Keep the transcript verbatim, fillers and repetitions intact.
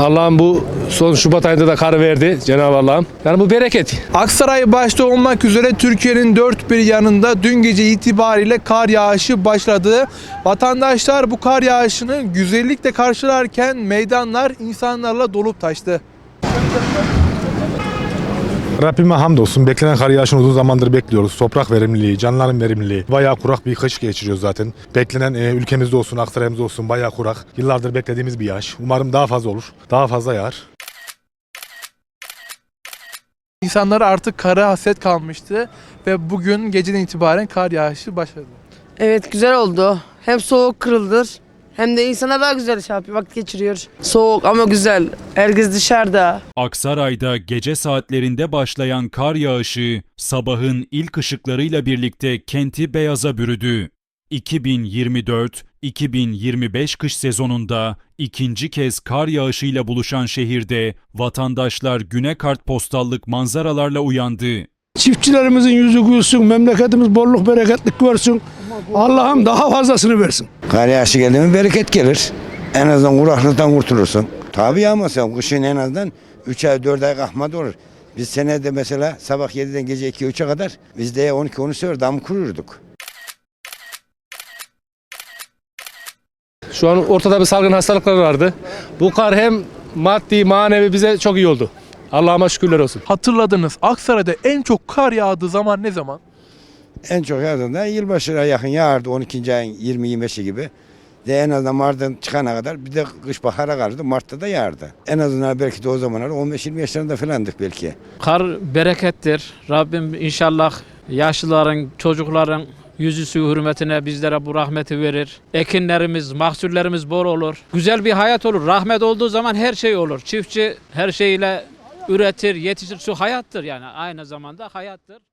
Allah'ım bu son Şubat ayında da kar verdi Cenab-ı Allah'ım. Yani bu bereket. Aksaray başta olmak üzere Türkiye'nin dört bir yanında dün gece itibariyle kar yağışı başladı. Vatandaşlar bu kar yağışını güzellikle karşılarken meydanlar insanlarla dolup taştı. Rabbime hamdolsun. Beklenen kar yağışını uzun zamandır bekliyoruz. Toprak verimliliği, canlıların verimliliği. Bayağı kurak bir kış geçiriyoruz zaten. Beklenen e, ülkemizde olsun, Aksaray'ımızda olsun bayağı kurak. Yıllardır beklediğimiz bir yağış. Umarım daha fazla olur. Daha fazla yağar. İnsanlar artık kara hasret kalmıştı ve bugün geceden itibaren kar yağışı başladı. Evet, güzel oldu. Hem soğuk kırıldır hem de insana daha güzel şey yapıyor, vakit geçiriyor. Soğuk ama güzel. Herkes dışarıda. Aksaray'da gece saatlerinde başlayan kar yağışı sabahın ilk ışıklarıyla birlikte kenti beyaza bürüdü. iki bin yirmi dört iki bin yirmi beş kış sezonunda ikinci kez kar yağışıyla buluşan şehirde vatandaşlar güne kartpostallık manzaralarla uyandı. Çiftçilerimizin yüzü gülsün, memleketimiz bolluk bereketlik görsün. Allah'ım daha fazlasını versin. Kar yağışı geldi mi bereket gelir. En azından kuraklıktan kurtulursun. Tabii yağmasa kışın en azından üç ay dört ay kalkmadı olur. Biz senede mesela sabah yediden gece iki üçe kadar biz de on iki on üç sefer dam kururduk. Şu an ortada bir salgın hastalıklar vardı. Bu kar hem maddi manevi bize çok iyi oldu. Allah'ıma şükürler olsun. Hatırladınız, Aksaray'da en çok kar yağdığı zaman ne zaman? En çok yağdığında yılbaşına yakın yağardı on ikinci ayın yirmi yirmi beşi gibi. De en azından Mart'tan çıkana kadar bir de kış bahara kalırdı. Mart'ta da yağardı. En azından belki de o zamanlar on beş yirmi yaşlarında falandık belki. Kar berekettir. Rabbim inşallah yaşlıların, çocukların yüzüsü hürmetine bizlere bu rahmeti verir. Ekinlerimiz, mahsullerimiz bol olur. Güzel bir hayat olur. Rahmet olduğu zaman her şey olur. Çiftçi her şeyiyle üretir, yetişir. Su hayattır yani. Aynı zamanda hayattır.